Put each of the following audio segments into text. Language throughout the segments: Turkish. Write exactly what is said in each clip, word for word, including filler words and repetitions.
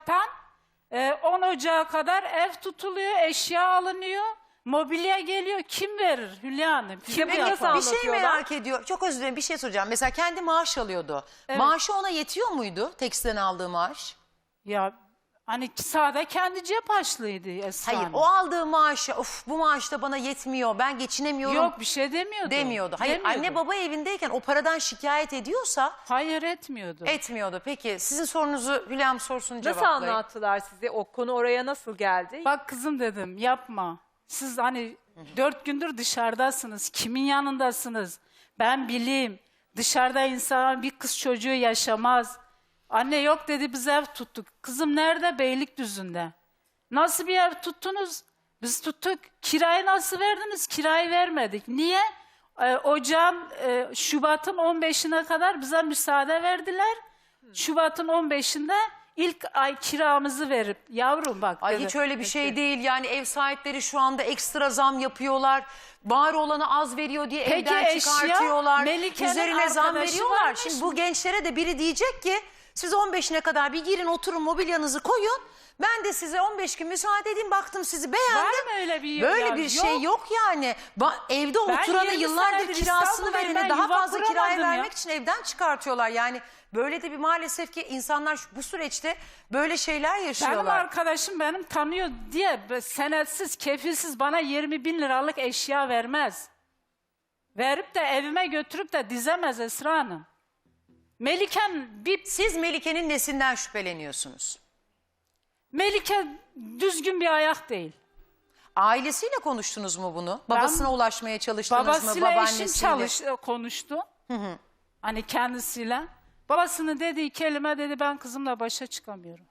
Tan, e, on Ocağı kadar ev tutuluyor, eşya alınıyor, mobilya geliyor. Kim verir Hülya Hanım? Kim Peki, yapar? bir şey merak ediyor. Çok özür dilerim, bir şey soracağım. Mesela kendi maaş alıyordu. Evet. Maaşı ona yetiyor muydu? Tekstilden aldığı maaş? Ya hani sağda kendi cep harçlığıydı Esra Hayır, Hanım. o aldığı maaşı, of bu maaş da bana yetmiyor, ben geçinemiyorum Yok, bir şey demiyordu. demiyordu. Hayır, Demiyordu. anne baba evindeyken o paradan şikayet ediyorsa Hayır, etmiyordu. etmiyordu. Peki sizin sorunuzu Hülya'm sorsun, Nasıl cevaplayın. anlattılar size? O konu oraya nasıl geldi? Bak kızım dedim, yapma. Siz hani dört gündür dışarıdasınız. Kimin yanındasınız? Ben bileyim. Dışarıda insan bir kız çocuğu yaşamaz. Anne yok dedi, biz ev tuttuk. Kızım nerede? Beylikdüzü'nde. Nasıl bir ev tuttunuz? Biz tuttuk. Kirayı nasıl verdiniz? Kirayı vermedik. Niye? Ee, ocağın e, Şubat'ın on beşine kadar bize müsaade verdiler. Şubat'ın on beşinde ilk ay kiramızı verip yavrum bak Ay dedi. hiç öyle bir şey değil. Yani ev sahipleri şu anda ekstra zam yapıyorlar. Var olanı az veriyor diye Peki evden eşya, çıkartıyorlar. Melike'nin Üzerine zam arkadaşı veriyorlar. varmış Şimdi mı? bu gençlere de biri diyecek ki siz on beşine kadar bir girin, oturun, mobilyanızı koyun. Ben de size on beş gün müsaade edeyim, baktım sizi beğendim. Var mı öyle bir Böyle ya? bir şey Yok. yok yani. Ba- evde oturanı yirmi yıllardır senedir kirasını İstanbul'dayım, vereni ben daha yuva fazla kiraya kuramadım ya. vermek için evden çıkartıyorlar. Yani böyle de bir maalesef ki insanlar şu- bu süreçte böyle şeyler Benim yaşıyorlar. arkadaşım benim tanıyor diye senetsiz, kefilsiz bana yirmi bin liralık eşya vermez. Verip de evime götürüp de dizemez Esra Hanım. Meliken bir... Siz Melike'nin nesinden şüpheleniyorsunuz? Melike düzgün bir ayak değil. Ailesiyle konuştunuz mu bunu? Babasına ulaşmaya çalıştınız mı? Babasıyla eşim Babaannesiyle? çalış, konuştu. Hani kendisiyle. Babasının dediği kelime dedi, ben kızımla başa çıkamıyorum.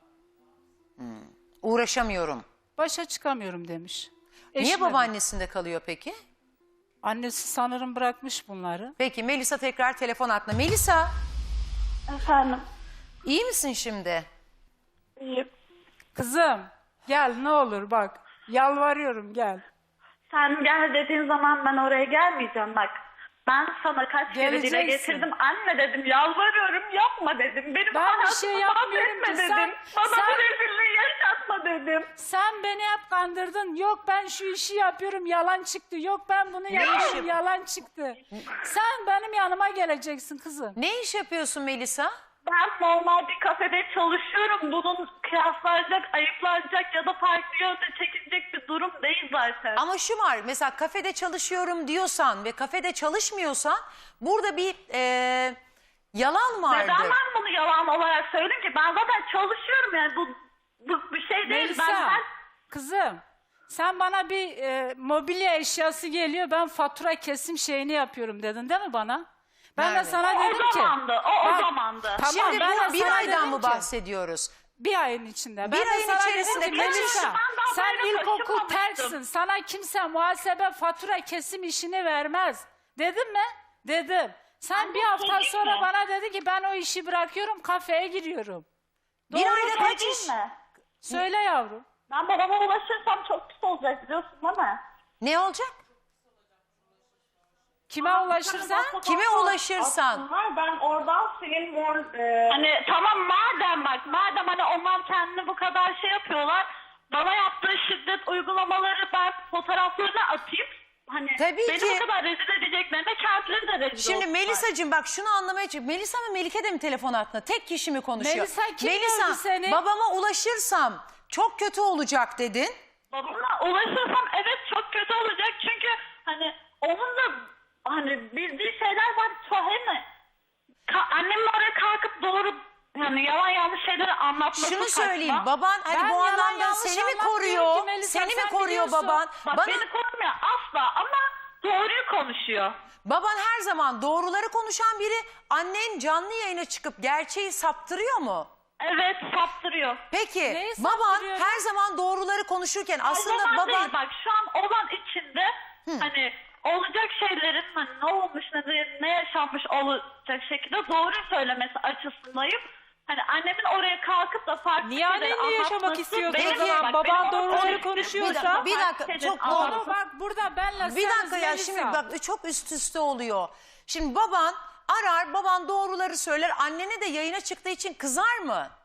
Uğraşamıyorum. Başa çıkamıyorum demiş. Niye Eşime de. babaannesinde kalıyor peki? Annesi sanırım bırakmış bunları. Peki Melisa tekrar telefon hattına. Melisa, Efendim, iyi misin şimdi? iyiyim. Kızım gel ne olur bak. Yalvarıyorum gel. Sen gel dediğin zaman ben oraya gelmeyeceğim bak. Ben sana kaç kere dile Geleceksin. getirdim. Anne dedim, yalvarıyorum, yapma dedim. Benim Ben bir hayatımı şey yapmıyorum mahvetme ki. dedim. Sen- Bana sen- bu rezilliği yaşatma dedim. Sen beni hep kandırdın. Yok ben şu işi yapıyorum, yalan çıktı. Yok ben bunu yapıyorum, yalan çıktı. Sen benim yanıma geleceksin kızım. Ne iş yapıyorsun Melisa? Ben normal bir kafede çalışıyorum. Bunun kıyaslanacak, ayıplanacak ya da farklı yönde çekilecek bir durum değil zaten. Ama şu var, mesela kafede çalışıyorum diyorsan ve kafede çalışmıyorsan burada bir e, yalan vardır. Neden ben bunu yalan olarak söyledim ki? Ben zaten çalışıyorum yani bu, bu bir şey değil. Melisa, Ben her... kızım sen bana bir e, mobilya eşyası geliyor, ben fatura kesim şeyini yapıyorum dedin değil mi bana? Ben Nerede? de sana O dedim ki. zamandı, o, o Bak, zamandı. Tamam, Şimdi ben de bu bir sana aydan dedim mı ki- bahsediyoruz? Bir ayın içinde. Ben Bir de ayın sana içerisinde dedim ki, kaç iş- Melisa, Ben daha sen böyle ilkokul taşımamıştım. terksin. Sana kimse muhasebe fatura kesim işini vermez. Dedim mi? Dedim. Sen Ben bir bu hafta çocuk sonra mu? bana dedi ki ben o işi bırakıyorum, kafeye giriyorum. Bir Doğru ayda mu? kaç iş? mi? Söyle yavrum. Ben babama ulaşırsam çok pis olacak biliyorsun değil mi? Ne olacak? Kime ulaşırsan? Kime ulaşırsan? Aslında ben oradan senin mor... E... Hani tamam madem bak, madem hani onlar kendini bu kadar şey yapıyorlar, bana yaptığı şiddet uygulamaları ben fotoğraflarına atayım. Hani Tabii beni ki. bu kadar rezil edeceklerine kendileri de rezil Şimdi olsunlar. Melisa'cığım bak şunu anlamaya çalışıyorum. Melisa mı Melike de mi telefon hattında? Tek kişi mi konuşuyor? Melisa, kim Melisa, gördü seni? babama ulaşırsam çok kötü olacak dedin. Babama ulaşırsam evet çok kötü olacak çünkü hani onun da hani bildiği şeyler var. Hani ka- annemin oraya kalkıp doğru yani yalan yanlış şeyleri anlatması Şunu saçma. söyleyeyim, baban hani Ben bu yalan anlamda yanlış seni mi anlatmıyorum koruyor? ki Melisa, Seni mi sen koruyor biliyorsun. baban? Bak Bana, beni korumuyor asla ama doğruyu konuşuyor. baban her zaman doğruları konuşan biri. Annen canlı yayına çıkıp gerçeği saptırıyor mu? Evet saptırıyor. Peki Neyi baban saptırıyor ya? her zaman doğruları konuşurken O aslında zaman baban... değil bak şu an olan içinde hani olacak şeylerin hani ne olmuş ne, ne yaşanmış olacak şekilde doğruyu söylemesi açısındayım. Hani annemin oraya kalkıp da farklı Niye şeyleri annenle yaşamak anlatması istiyordu benim- o zaman? bak, Baban benim doğruları oraya- konuşuyorsa- Bir dakika, Farklı çok şeylerin doğru. Ama anlatması- bak burada benle Bir dakika ya Melisa. şimdi bak çok üst üste oluyor. Şimdi baban arar, baban doğruları söyler. Annene de yayına çıktığı için kızar mı?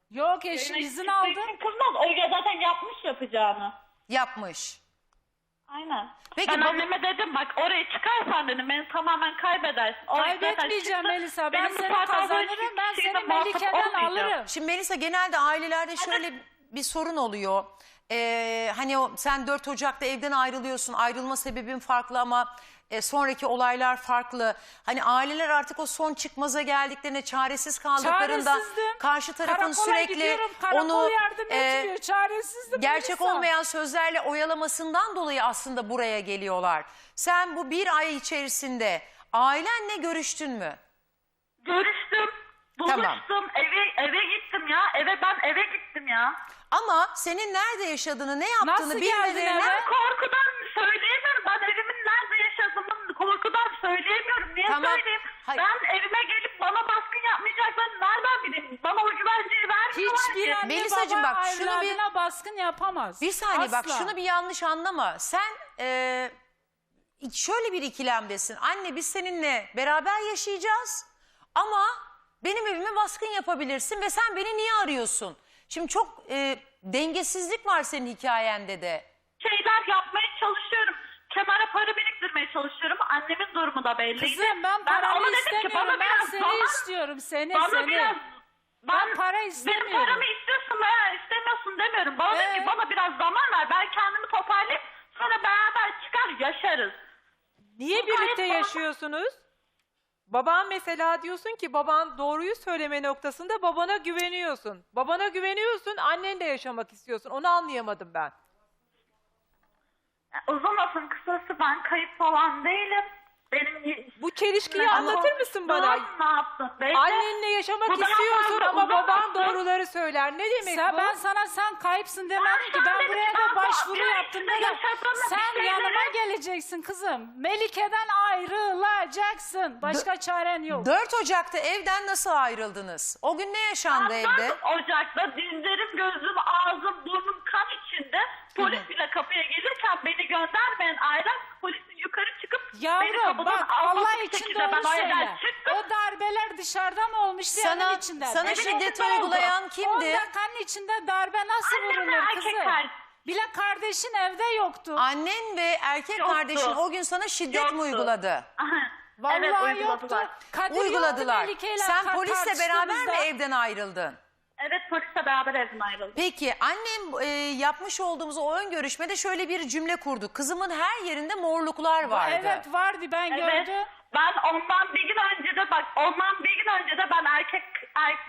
Yok eşim Yayına izin çıktığı aldı. için kızmaz. O ya zaten yapmış yapacağını. Yapmış. Aynen. Peki ben baba- anneme dedim bak oraya çıkarsan dedim beni tamamen kaybedersin. Oraya zaten Kaybetmeyeceğim çıktı. Melisa. Ben Benim bu seni saatten sonra kazanırım. hiçbir Ben şeyle seni muhatap Melike'den olmayacağım. alırım. Şimdi Melisa genelde ailelerde şöyle bir sorun oluyor. Ee, hani o, sen dört Ocak'ta evden ayrılıyorsun. Ayrılma sebebin farklı ama e, sonraki olaylar farklı. Hani aileler artık o son çıkmaza geldiklerinde çaresiz kaldıklarında Çaresizdim. karşı tarafın Karakola sürekli gidiyorum, karakol onu yardım e, etmiyor. Çaresizdim gerçek Melisa. olmayan sözlerle oyalamasından dolayı aslında buraya geliyorlar. Sen bu bir ay içerisinde ailenle görüştün mü? Görüştüm. Tamam. Buluştum. Eve, eve gittim ya. Eve ben eve gittim ya. Ama senin nerede yaşadığını, ne yaptığını Nasıl geldin bilmelerine... eve? Ben korkudan söyleyemiyorum. Ben evimin nerede yaşadığımı korkudan söyleyemiyorum. Niye Tamam. söyleyeyim? Hayır. Ben evime gelip bana baskın yapmayacaklarını nereden bileyim? Bana o güvenceyi vermiyorlar Hiçbir ki. anne Melisacığım baba bak, şunu bir- evladına baskın yapamaz. Bir saniye bak, Asla. şunu bir yanlış anlama. Sen e, şöyle bir ikilemdesin. Anne biz seninle beraber yaşayacağız ama benim evime baskın yapabilirsin ve sen beni niye arıyorsun? Şimdi çok e, dengesizlik var senin hikayende de. Şeyler yapmaya çalışıyorum. Kenara para biriktirmeye çalışıyorum. Annemin durumu da belli. Kızım ben paranı ona dedim ki, istemiyorum. bana Ben biraz seni zaman- istiyorum. Seni Bana seni. biraz... Ben para Benim istemiyorum. paramı istiyorsun veya istemiyorsun demiyorum. Bana dedi Evet. ki bana biraz zaman ver. Ben kendimi toparlayıp sonra beraber çıkar yaşarız. Niye Bu birlikte gayet yaşıyorsunuz? Baban mesela diyorsun ki baban doğruyu söyleme noktasında babana güveniyorsun. Babana güveniyorsun, annenle yaşamak istiyorsun. Onu anlayamadım ben. Uzun lafın kısası ben kayıp falan değilim. Benim Bu çelişkiyi Ama- anlatır mısın bana? Ne yaptın? Belli. Annenle yaşamak Bu daha istiyorsun fazla ama baban uzamazsın. doğruları söyler. Ne demek Sen, bu? ben sana sen kayıpsın demedim Ben ki. Ben sana buraya dedim, da ben başvuru bir ay yaptım içinde dedim. yaşadığım bir Sen şeyleri- yanıma geleceksin kızım. Melike'den ayrılacaksın. Başka çaren yok. dört Ocak'ta evden nasıl ayrıldınız? O gün ne yaşandı Ben evde? dört Ocak'ta dizlerim, gözüm, ağzım, burnum kan içinde. Polis bile kapıya gelirken beni göndermeyen ailem polisin yukarı çıkıp beni Yavrum kapıdan bak alması Allah bir için şekilde doğru ben o evden söyle. çıktım. O darbeler dışarıda mı olmuştu Sana- evin içinde? sana Evin şiddet içinde oldu. uygulayan on kimdi? dakikanın içinde darbe nasıl Annemle vurulur erkek kızım? kardeşim. Bile kardeşin evde yoktu. Annen ve erkek Yoktu. kardeşin o gün sana şiddet mi Yoktu. uyguladı? Aha, Vallahi evet, yoktu. uyguladılar. Kadir yoktu Uyguladılar. Melike'yle Sen kar- polisle beraber mi tartıştığımızda. evden ayrıldın? Evet polisle beraber evden ayrıldım. Peki annem e, yapmış olduğumuz o ön görüşmede şöyle bir cümle kurdu. Kızımın her yerinde morluklar vardı. Evet vardı ben Evet. gördüm. Ben ondan bir gün önce de bak ondan bir gün önce de ben erkek erkek,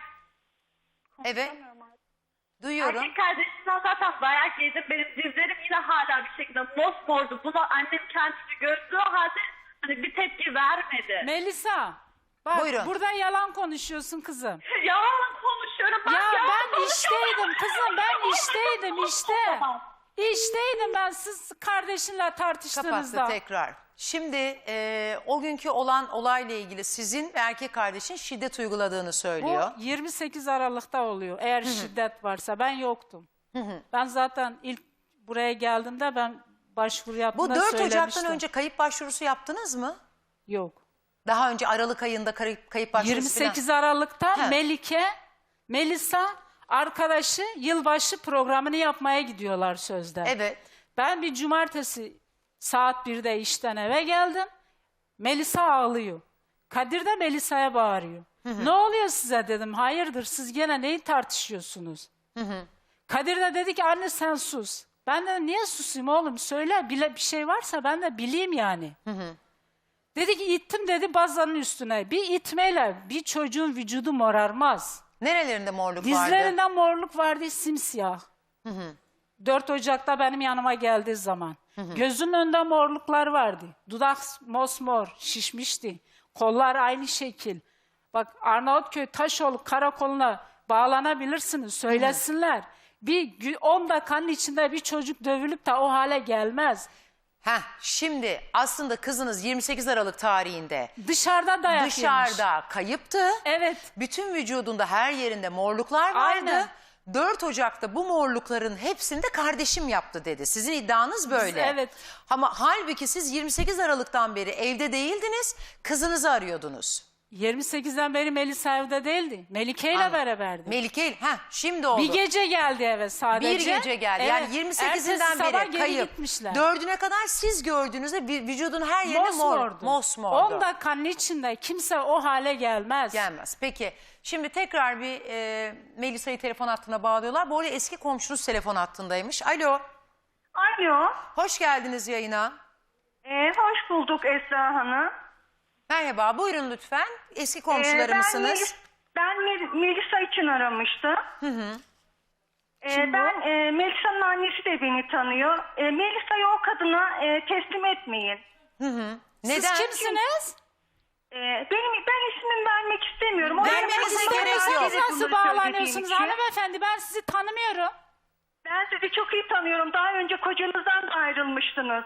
Evet. Duyuyorum. erkek kardeşimden zaten dayak yedim. Benim dizlerim yine hala bir şekilde mosmordu. Buna annem kendisi gördüğü halde hani bir tepki vermedi. Melisa bak Buyurun. burada yalan konuşuyorsun kızım. Yalan konuşuyorum. Ben Ya yalan ben konuşuyorum. işteydim kızım ben işteydim işte. Tamam. İşteydim ben siz kardeşinle tartıştığınızda. Kapattı tekrar. Şimdi e, o günkü olan olayla ilgili sizin ve erkek kardeşin şiddet uyguladığını söylüyor. Bu yirmi sekiz Aralık'ta oluyor eğer şiddet varsa. Ben yoktum. Ben zaten ilk buraya geldiğimde ben başvuru Bu yaptığımda dört söylemiştim. Ocak'tan önce kayıp başvurusu yaptınız mı? Yok. Daha önce Aralık ayında kayıp, kayıp başvurusu yirmi sekiz Aralık'ta He. Melike, Melisa arkadaşı yılbaşı programını yapmaya gidiyorlar sözde. falan. Evet. Ben bir cumartesi saat birde işten eve geldim. Melisa ağlıyor. Kadir de Melisa'ya bağırıyor. Ne oluyor size dedim. Hayırdır siz gene neyi tartışıyorsunuz? Kadir de dedi ki anne sen sus. Ben de niye susayım oğlum söyle bile bir şey varsa ben de bileyim yani. Dedi ki ittim dedi bazanın üstüne. Bir itmeyle bir çocuğun vücudu morarmaz. Nerelerinde morluk vardı? Dizlerinden morluk vardı simsiyah. dört Ocak'ta benim yanıma geldiği zaman. Gözünün önünde morluklar vardı. Dudak mosmor şişmişti. Kollar aynı şekil. Bak Arnavutköy Taşoğlu karakoluna bağlanabilirsiniz söylesinler. Bir on dakikanın içinde bir çocuk dövülüp de o hale gelmez. Heh, şimdi aslında kızınız yirmi sekiz Aralık tarihinde Dışarıda dayak yemiş. dışarıda kayıptı. Evet. Bütün vücudunda her yerinde morluklar vardı. Aynen. dört Ocak'ta bu morlukların hepsini de kardeşim yaptı dedi. Sizin iddianız böyle. evet. Ama halbuki siz yirmi sekiz Aralık'tan beri evde değildiniz, kızınızı arıyordunuz. yirmi sekizden beri Melisa evde değildi. Melike ile Anladım. beraberdi. Melike, heh, şimdi oldu. Bir gece geldi eve sadece. Bir gece geldi. Yani Evet. yirmi sekizinden Ertesi sabah beri geri kayıp. gitmişler. Dördüne kadar siz gördüğünüzde vü- vücudun her yerine mor, Mosmordu. mosmordu. on dakikanın içinde kimse o hale gelmez. Gelmez. Peki şimdi tekrar bir e, Melisa'yı telefon hattına bağlıyorlar. Bu arada eski komşunuz telefon hattındaymış. Alo. Alo, Hoş geldiniz yayına. ee, hoş bulduk Esra Hanım. Merhaba, buyurun lütfen. Eski Ee, komşuları ben mısınız? Melis- ben Mel- Melisa için aramıştım. Hı hı. ben e, Melisa'nın annesi de beni tanıyor. E, Melisa'yı o kadına e, teslim etmeyin. Neden? Siz kimsiniz? E, benim ben ismimi vermek istemiyorum. O Vermenize benim gerek hakkımda yok. Siz bunları nasıl söylediğim bağlanıyorsunuz için. hanımefendi? Ben sizi tanımıyorum. Ben sizi çok iyi tanıyorum. Daha önce kocanızdan da ayrılmıştınız.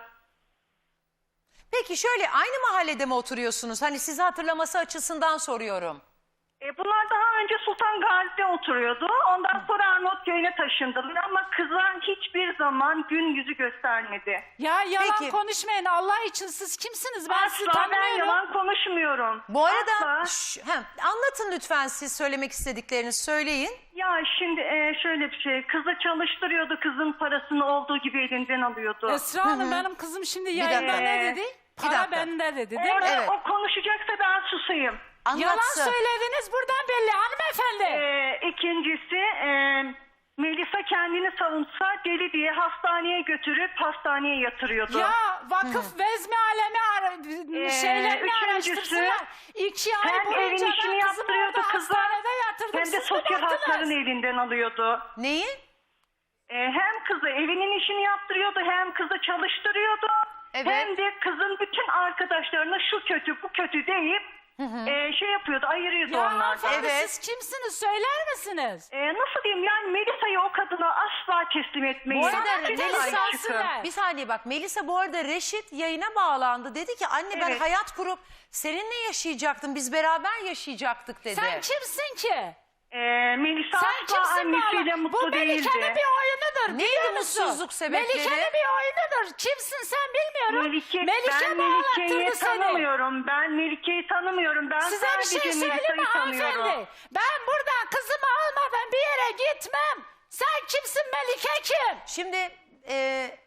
Peki şöyle aynı mahallede mi oturuyorsunuz? Hani sizi hatırlaması açısından soruyorum. E, bunlar daha önce Sultan Gazi'de oturuyordu. Ondan sonra Arnavutköy'üne taşındılar ama kıza hiçbir zaman gün yüzü göstermedi. Ya yalan Peki. konuşmayın Allah için siz kimsiniz? Ben sizi Asla ben tanımıyorum. yalan konuşmuyorum. Bu arada Asla. Şş, hem, anlatın lütfen siz söylemek istediklerinizi söyleyin. Ya şimdi e, şöyle bir şey. Kızı çalıştırıyordu. Kızın parasını olduğu gibi elinden alıyordu. Esra Hanım benim kızım şimdi dakika. yayında ne Ee, dedi? bir Para dakika. bende dedi değil Orada mi? Evet. o konuşacaksa ben susayım. Yalan Anlatsın. söylediniz buradan belli hanımefendi. E, ikincisi e, Melisa kendini savunsa deli diye hastaneye götürüp hastaneye yatırıyordu. Ya vakıf vezmi alemi ara, Ee, şeylerini üçüncüsü, araştırsınlar. İki ay hem boyunca evin ben işini kızımı yaptırıyordu orada kıza hastanede yatırdım. hem de Siz sosyal mi baktınız? haklarını elinden alıyordu. Neyi? E, hem kızı evinin işini yaptırıyordu hem kızı çalıştırıyordu. Evet. Hem de kızın bütün arkadaşlarına şu kötü bu kötü deyip e, şey yapıyordu ayırıyordu Ya onlardan. hanımefendi Evet. siz kimsiniz söyler misiniz? E, nasıl diyeyim yani Melisa'yı o kadına asla teslim etmeyin. Bu arada Sana bir de Melisa- lisansı ver. Bir saniye bak Melisa bu arada Reşit yayına bağlandı. Dedi ki anne ben Evet. hayat kurup seninle yaşayacaktım. Biz beraber yaşayacaktık dedi. Sen kimsin ki? E, Melisa Sen asla kimsin annesiyle bana? mutlu Bu değildi. Melike'nin bir oyunudur. Neydi biliyor musun? mutsuzluk sebepleri? Melike'nin bir oyunudur. Kimsin sen bilmiyorum. Melike, Melike ben Melike'yi bağlattırdı seni. tanımıyorum. Ben Melike'yi tanımıyorum. Ben Size bir sadece şey söyleyeyim mi Melisa'yı tanıyorum. hanımefendi? Ben buradan kızımı almadan bir yere gitmem. Sen kimsin Melike kim? Şimdi e,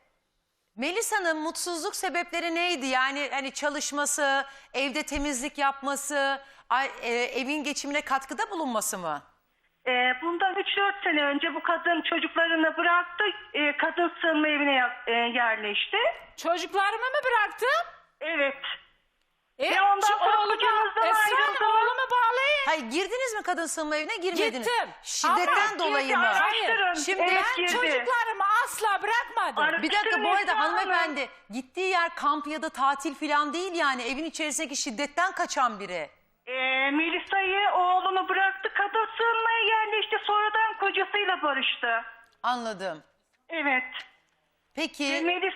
Melisa'nın mutsuzluk sebepleri neydi? Yani hani çalışması, evde temizlik yapması, ay- e, evin geçimine katkıda bulunması mı? Ee, bundan üç dört sene önce bu kadın çocuklarını bıraktı. Ee, kadın sığınma evine ya- e, yerleşti. Çocuklarımı mı bıraktım? Evet. E, Ve ondan şu sonra oğlumu- kocanızdan Esra Hanım, ayrıldınız. oğlumu bağlayın. Hayır girdiniz mi kadın sığınma evine girmediniz? Gittim. Şiddetten Ama dolayı girdi, mı? araştırın. Şimdi Evet, Ben girdi. çocuklarımı asla bırakmadım. Ara- Bir dakika bu arada Esra Hanım. hanımefendi gittiği yer kamp ya da tatil falan değil yani evin içerisindeki şiddetten kaçan biri. Ee, Melisa'yı oğlunu bıraktı. Kadın sığınmaya yerleşti. Sonradan kocasıyla barıştı. Anladım. Evet. Peki Ve Melis,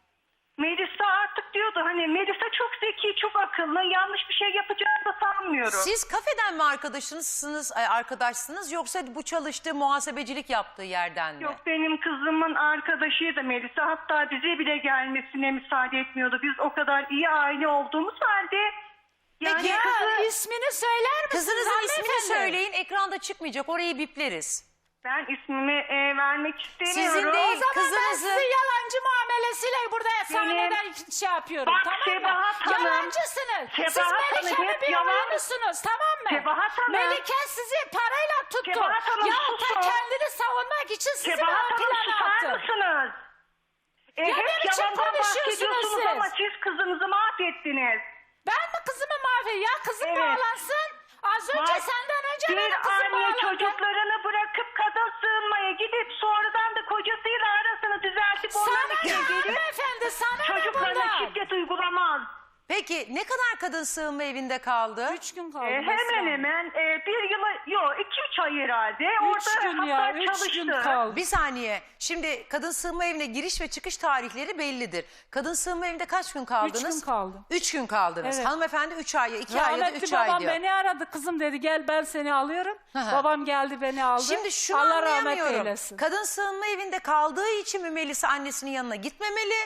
Melisa artık diyordu hani Melisa çok zeki, çok akıllı. Yanlış bir şey yapacağını da sanmıyorum. siz kafeden mi arkadaşınızsınız, ay, arkadaşsınız yoksa bu çalıştığı muhasebecilik yaptığı yerden mi? Yok benim kızımın arkadaşıydı Melisa. Hatta bize bile gelmesine müsaade etmiyordu. Biz o kadar iyi aile olduğumuz halde yani Peki, Ya kızı ismini söyler misiniz Kızınızın ismini hanımefendi? söyleyin ekranda çıkmayacak orayı bipleriz. ben ismimi e, vermek istemiyorum. Sizin değil, O zaman ben kızınızı- sizi yalancı muamelesiyle burada sahneden şey yapıyorum Bak, tamam mı? Sebahat Hanım, Yalancısınız. Siz Sebahat Hanım Melike'nin hep bir yalan- oyunusunuz tamam mı? Sebahat Hanım. Melike sizi parayla tuttu. Sebahat Hanım, Ya susun. da kendini savunmak için sizi Sebahat ön Hanım plana susar attı. mısınız? E, Ya ne hep biçim yalandan konuşuyorsunuz bahsediyorsunuz siz? ama siz kızınızı mahvettiniz. Ben mi kızımı mahvedeyim? Ya kızım Evet. bağlansın. Az önce Bak, senden önce bir benim kızım anne bağlandı. çocuklarını bırakıp kadın sığınmaya gidip sonradan da kocasıyla arasını düzeltip Sana onların ne için gelip hanımefendi sana ne çocuklarına bundan? şiddet uygulamaz. Peki ne kadar kadın sığınma evinde kaldı? Üç gün kaldı. E, mesela. hemen hemen e, bir yıla, yok iki üç ay herhalde. Üç Orada gün hatta ya, üç çalıştı. gün kaldı. Bir saniye. Şimdi kadın sığınma evine giriş ve çıkış tarihleri bellidir. Kadın sığınma evinde kaç gün kaldınız? Üç gün kaldı. Üç gün kaldınız. Evet. Hanımefendi üç ay, iki ay ya da Rahmetli üç ay babam diyor. beni aradı. Kızım dedi gel ben seni alıyorum. Hı hı. Babam geldi beni aldı. Şimdi şunu Allah rahmet anlayamıyorum. eylesin. Kadın sığınma evinde kaldığı için mi Melisa annesinin yanına gitmemeli?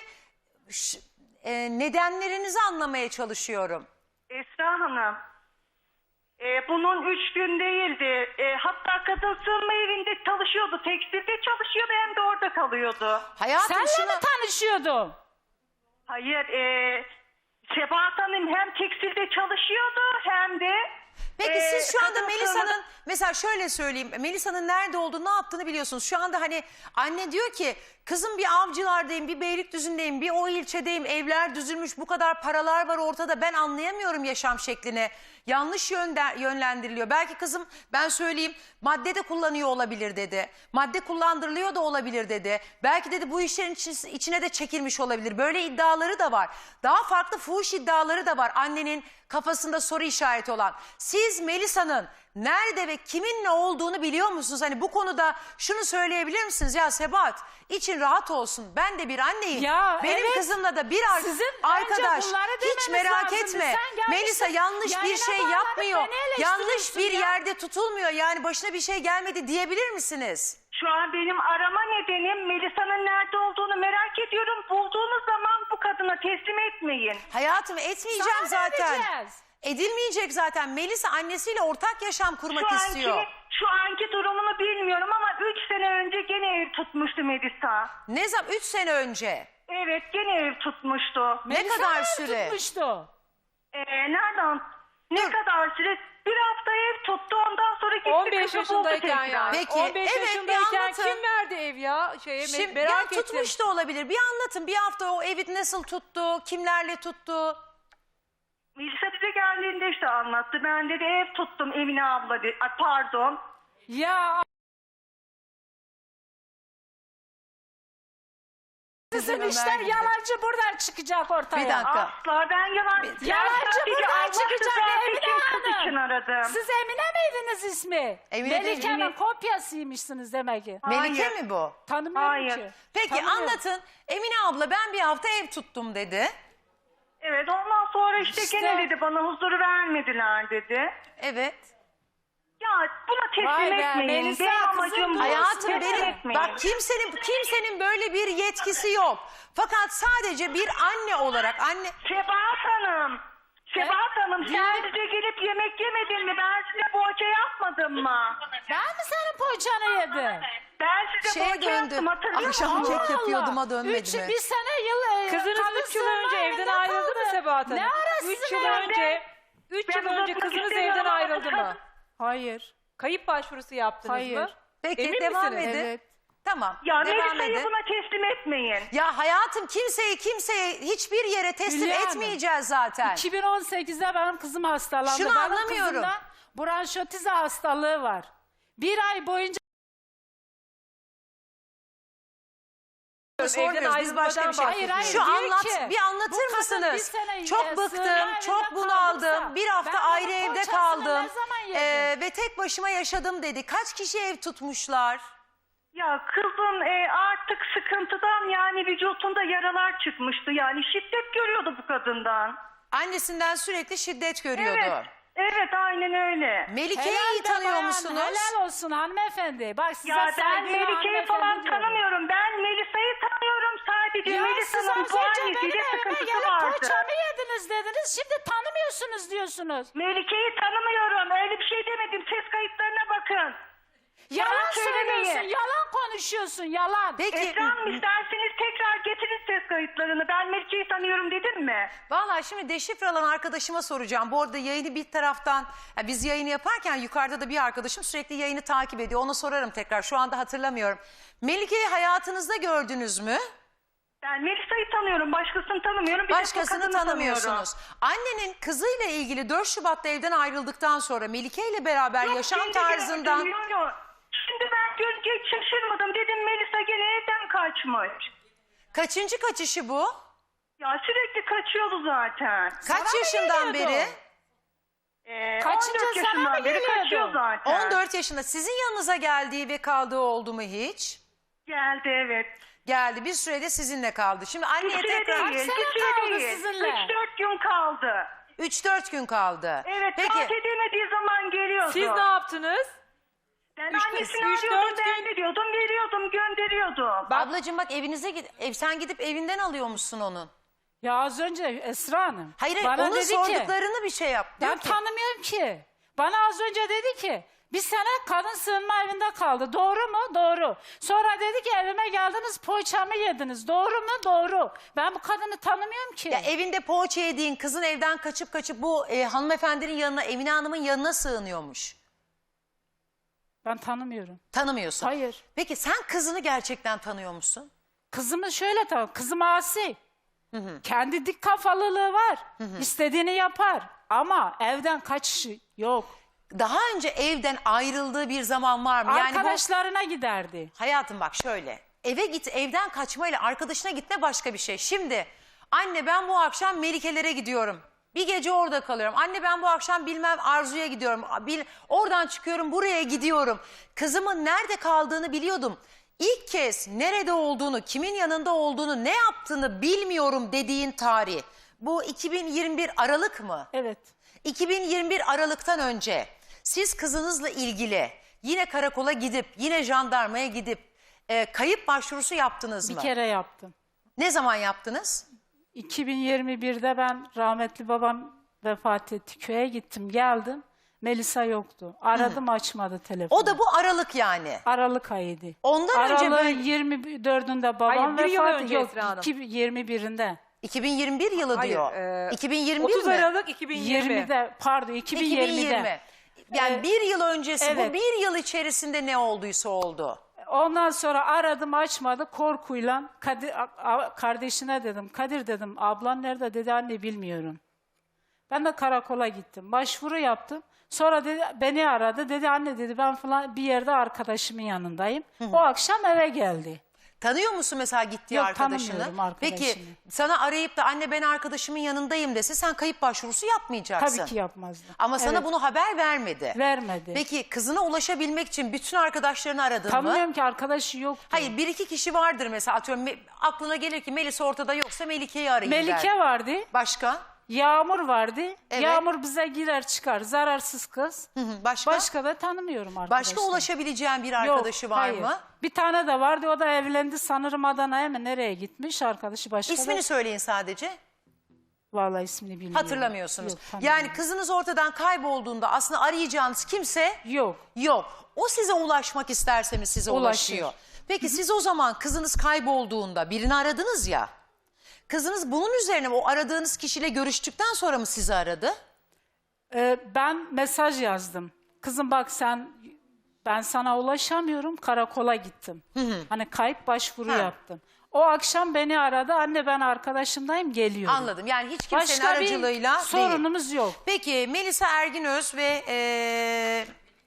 Ş- e, nedenlerinizi anlamaya çalışıyorum. Esra Hanım. E, bunun üç gün değildi. E, hatta kadın sığınma evinde çalışıyordu. Tekstilde çalışıyordu hem de orada kalıyordu. Hayatım Senle şunu... mi tanışıyordun? Hayır, e, Sebahat Hanım hem tekstilde çalışıyordu hem de... Peki e, siz şu anda kadın Melisa'nın sığınma- mesela şöyle söyleyeyim. Melisa'nın nerede olduğunu, ne yaptığını biliyorsunuz. Şu anda hani anne diyor ki kızım bir Avcılar'dayım, bir Beylikdüzü'ndeyim, bir o ilçedeyim. Evler düzülmüş, bu kadar paralar var ortada. Ben anlayamıyorum yaşam şeklini. Yanlış yönde, yönlendiriliyor. Belki kızım ben söyleyeyim madde de kullanıyor olabilir dedi. Madde kullandırılıyor da olabilir dedi. Belki dedi bu işlerin içi- içine de çekilmiş olabilir. Böyle iddiaları da var. Daha farklı fuhuş iddiaları da var annenin kafasında soru işareti olan. Siz Melisa'nın nerede ve kiminle olduğunu biliyor musunuz? Hani bu konuda şunu söyleyebilir misiniz? Ya Sebahat için rahat olsun. Ben de bir anneyim. Ya, Benim evet. kızımla da bir ar- Sizin arkadaş. önce bunları Hiç demeniz merak lazımdı. etme. Sen gelmişsin, Melisa yanlış bir yayına şey bağlanıp yapmıyor. beni Yanlış eleştiriyorsun bir ya. yerde tutulmuyor. Yani başına bir şey gelmedi diyebilir misiniz? Şu an benim arama nedenim Melisa'nın nerede olduğunu merak ediyorum. Bulduğunuz zaman bu kadına teslim etmeyin. Hayatım etmeyeceğim Sana ne zaten. edeceğiz? Edilmeyecek zaten. Melisa annesiyle ortak yaşam kurmak Şu istiyor. anki, şu anki durumunu bilmiyorum ama üç sene önce gene ev tutmuştu Melisa. Ne zaman? Üç sene önce. Evet, gene ev tutmuştu. Ne Melisa kadar mı süre? tutmuştu? Ee, nereden? Ne Dur. kadar süre? Bir hafta ev tuttu, ondan sonra gitti on beş kızı buldu yaşındayken tekrar. yani. Peki, on beş evet, bir yaşındayken anlatın. kim verdi ev ya? Şeye, me- Şimdi merak ya ettim. tutmuş da olabilir. Bir anlatın. Bir hafta o evi nasıl tuttu? Kimlerle tuttu? Melisa bize geldiğinde işte anlattı. Ben dedi ev tuttum Emine abla dedi. Ay, pardon. Ya sizin Ömer işler gibi. yalancı buradan çıkacak ortaya. Bir dakika. Asla ben yalan... Ben Yalancı sadece buradan Allah çıkacak rızası Emine için kız Hanım. için aradım. Siz Emine miydiniz ismi? Emine değil, Melike'nin Emine. kopyasıymışsınız demek ki. Melike Hayır. mi bu? Tanımıyorum Hayır. ki. Peki Tanımıyorum. anlatın. Emine abla ben bir hafta ev tuttum dedi. Evet, ondan sonra işte, İşte. gene dedi bana huzuru vermediler dedi. Evet. Ya buna teslim Vay be, etmeyin. Melisa Benim kızım, amacım bu. Hayatım Teslim benim etmeyin. bak kimsenin kimsenin böyle bir yetkisi yok. Fakat sadece bir anne olarak anne Sebahat Hanım. Sebahat Hanım sen bize gelip yemek yemedin mi? Ben size poğaça yapmadım mı? Ben mi senin poğaçanı yedim? Ben size şeye poğaça döndü. yaptım, hatırlıyor Akşam musun? kek yapıyorduma Allah. dönmedi Üç, mi? Bir sene yıl... e, Kızınız kadın üç yıl sığınma önce evden evinde ayrıldı kaldı. mı Sebahat Hanım? Ne ara Üç sizin yıl evde? önce, üç Ben yıl önce uzatmak kızınız istemiyorum evden ama ayrıldı mı? kadın- Hayır. Kayıp başvurusu yaptınız Hayır. mı? Peki Emin devam misiniz? edin. Evet. Tamam. Ya devam Melisa'yı edin. buna teslim etmeyin. Ya hayatım kimseyi kimseye hiçbir yere teslim Hülya Hanım, etmeyeceğiz zaten. iki bin on sekizde benim kızım hastalandı. Şunu Benim anlamıyorum. kızımda bronşotize hastalığı var. Bir ay boyunca Sormuyoruz biz başka bir şey. Hayır, hayır, Şu diyor anlat ki, bir bu anlatır kadın bir mısınız? sene, e, Çok sığınma bıktım, evinde çok bunaldım. kaldıysa, Bir hafta ben ayrı bunun evde poğaçasını kaldım. ne zaman yedim? Ee, ve tek başıma yaşadım dedi. Kaç kişi ev tutmuşlar? Ya kızın e, artık sıkıntıdan yani vücutunda yaralar çıkmıştı. Yani şiddet görüyordu bu kadından. Annesinden sürekli şiddet görüyordu. Evet. Evet, aynen öyle. Melike'yi Helal iyi be tanıyor bayan, musunuz? Helal olsun hanımefendi. Bak size Ya ben saygılı Melike'yi hanımefendi falan diyorum. tanımıyorum. Ben Melisa'yı tanıyorum sadece. Ya siz Melisa'nın az bu önce benim annesiyle evime sıkıntısı gelip vardı. poğaçamı yediniz dediniz. Şimdi tanımıyorsunuz diyorsunuz. Melike'yi tanımıyorum. Öyle bir şey demedim. Ses kayıtlarına bakın. Yalan Yalan söylemeyin. söylüyorsun, yalan konuşuyorsun, yalan. Peki Esra Hanım isterseniz tekrar getirin ses kayıtlarını. Ben Melike'yi tanıyorum dedim mi? vallahi şimdi deşifre alan arkadaşıma soracağım. Bu arada yayını bir taraftan ya biz yayını yaparken yukarıda da bir arkadaşım sürekli yayını takip ediyor. Ona sorarım tekrar. Şu anda hatırlamıyorum. Melike'yi hayatınızda gördünüz mü? Ben Melisa'yı tanıyorum. Başkasını tanımıyorum. Bir de bu Başkasını kadını tanımıyorsunuz. tanıyorum. Annenin kızıyla ilgili dört Şubat'ta evden ayrıldıktan sonra Melike ile beraber Yok, yaşam şimdi tarzından... gördüm, yok, yok. Şimdi ben görünce hiç şaşırmadım. Dedim Melisa gene evden kaçmış. Kaçıncı kaçışı bu? Ya sürekli kaçıyordu zaten. Kaç Sana mı yaşından geliyordu? beri? Ee, Kaçıncı on dört sana mı yaşından beri geliyordu? kaçıyor zaten. on dört yaşında. Sizin yanınıza geldiği ve kaldığı oldu mu hiç? Geldi, evet. Geldi. Bir sürede sizinle kaldı. Şimdi Bir anneye süre tekrar... değil, sene bir süre kaldı değil. sizinle? Üç dört gün kaldı. üç dört gün kaldı. Evet, Peki fark edemediği zaman geliyordu. Siz ne yaptınız? Ben Üç- annesini üç, arıyordum, dört ben veriyordum, veriyordum, gönderiyordum. ablacığım bak evinize git. Ev, sen gidip evinden alıyormuşsun onun. Ya az önce Esra Hanım Hayır bana onun dedi ki sorduklarını bir şey yap. Diyor ben ki, tanımıyorum ki. Bana az önce dedi ki bir sene kadın sığınma evinde kaldı. Doğru mu? Doğru. Sonra dedi ki evime geldiniz poğaçamı yediniz. Doğru mu? Doğru. Ben bu kadını tanımıyorum ki. Ya evinde poğaça yediğin kızın evden kaçıp kaçıp bu e, hanımefendinin yanına, Emine Hanım'ın yanına sığınıyormuş. Ben tanımıyorum. Tanımıyorsun. Hayır. Peki sen kızını gerçekten tanıyor musun? Kızımı şöyle tanıyorum. Kızım asi. Kendi dik kafalılığı var. İstediğini yapar. Ama evden kaçışı yok. Daha önce evden ayrıldığı bir zaman var mı? Yani bu, Arkadaşlarına giderdi. hayatım bak şöyle. Eve git, evden kaçmayla arkadaşına gitme başka bir şey. Şimdi anne ben bu akşam Melike'lere gidiyorum. Bir gece orada kalıyorum. Anne ben bu akşam bilmem Arzu'ya gidiyorum. Bil, oradan çıkıyorum buraya gidiyorum. Kızımın nerede kaldığını biliyordum. İlk kez nerede olduğunu, kimin yanında olduğunu, ne yaptığını bilmiyorum dediğin tarih. Bu iki bin yirmi bir Aralık mı? Evet. iki bin yirmi bir Aralık'tan önce siz kızınızla ilgili yine karakola gidip, yine jandarmaya gidip e, kayıp başvurusu yaptınız Bir mı? kere yaptım. Ne zaman yaptınız? iki bin yirmi birde ben rahmetli babam vefat etti. Köye gittim geldim. Melisa yoktu. Aradım açmadı telefonu. O da bu Aralık yani. Aralık ayıydı. Ondan önce Aralığın böyle yirmi dördünde babam Hayır, bir yıl vefat önce yok. Esra Hanım. iki bin yirmi birinde. iki bin yirmi bir yılı Hayır, diyor. e, iki bin yirmi bir otuz mi? Aralık iki bin yirmi. yirmide pardon iki bin iki bin yirmide. yirmi. Yani Evet. bir yıl öncesi, Evet. bu bir yıl içerisinde ne olduysa oldu. Ondan sonra aradım açmadı korkuyla Kadir, a- a- kardeşine dedim Kadir dedim ablan nerede dedi anne bilmiyorum. Ben de karakola gittim başvuru yaptım. Sonra dedi, beni aradı dedi anne dedi ben falan bir yerde arkadaşımın yanındayım. O akşam eve geldi. Tanıyor musun mesela gittiği Yok, arkadaşını? tanımıyorum arkadaşını. Peki sana arayıp da anne ben arkadaşımın yanındayım dese sen kayıp başvurusu yapmayacaksın. Tabii ki yapmazdı. Ama sana Evet, bunu haber vermedi. vermedi. Peki kızına ulaşabilmek için bütün arkadaşlarını aradın mı? Tanımıyorum ki arkadaşı yoktu. Hayır bir iki kişi vardır mesela atıyorum Me- aklına gelir ki Melis ortada yoksa Melike'yi arayayım der. Melike vardı. Başka? Yağmur vardı. Evet. Yağmur bize girer çıkar. Zararsız kız. Hı hı, Başka? Başka da tanımıyorum arkadaşlar. Başka ulaşabileceğin bir Yok, arkadaşı var hayır. mı? Bir tane de vardı o da evlendi sanırım Adana'ya mı nereye gitmiş arkadaşı başka İsmini da. söyleyin sadece. Vallahi ismini bilmiyorum. Hatırlamıyorsunuz. Yok, tanımıyorum. Yani kızınız ortadan kaybolduğunda aslında arayacağınız kimse Yok. yok. O size ulaşmak isterse mi size Ulaşır. ulaşıyor? Peki siz o zaman kızınız kaybolduğunda birini aradınız ya. Kızınız bunun üzerine o aradığınız kişiyle görüştükten sonra mı sizi aradı? Ee, ben mesaj yazdım. Kızım bak sen ben sana ulaşamıyorum karakola gittim. Hani kayıp başvuru Ha. yaptım. O akşam beni aradı anne ben arkadaşımdayım geliyorum. Anladım. Yani hiç kimsenin Başka aracılığıyla bir sorunumuz değil. yok. Peki Melisa Erginöz ve eee,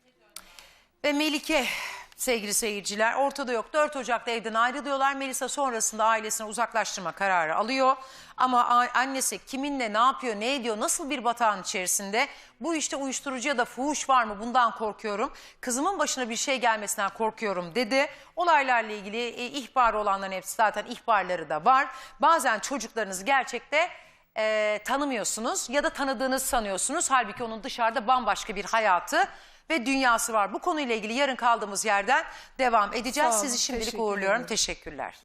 ve Melike sevgili seyirciler ortada yok. dört Ocak'ta evden ayrılıyorlar. Melisa sonrasında ailesini uzaklaştırma kararı alıyor. Ama a- annesi kiminle ne yapıyor, ne ediyor, nasıl bir batağın içerisinde? Bu işte uyuşturucu ya da fuhuş var mı? Bundan korkuyorum. Kızımın başına bir şey gelmesinden korkuyorum dedi. Olaylarla ilgili e, ihbar olanların hepsi zaten ihbarları da var. Bazen çocuklarınızı gerçekte e, tanımıyorsunuz ya da tanıdığınızı sanıyorsunuz. Halbuki onun dışarıda bambaşka bir hayatı ve dünyası var. Bu konuyla ilgili yarın kaldığımız yerden devam edeceğiz. Sağ olun, Sizi şimdilik teşekkür uğurluyorum. ederim. Teşekkürler.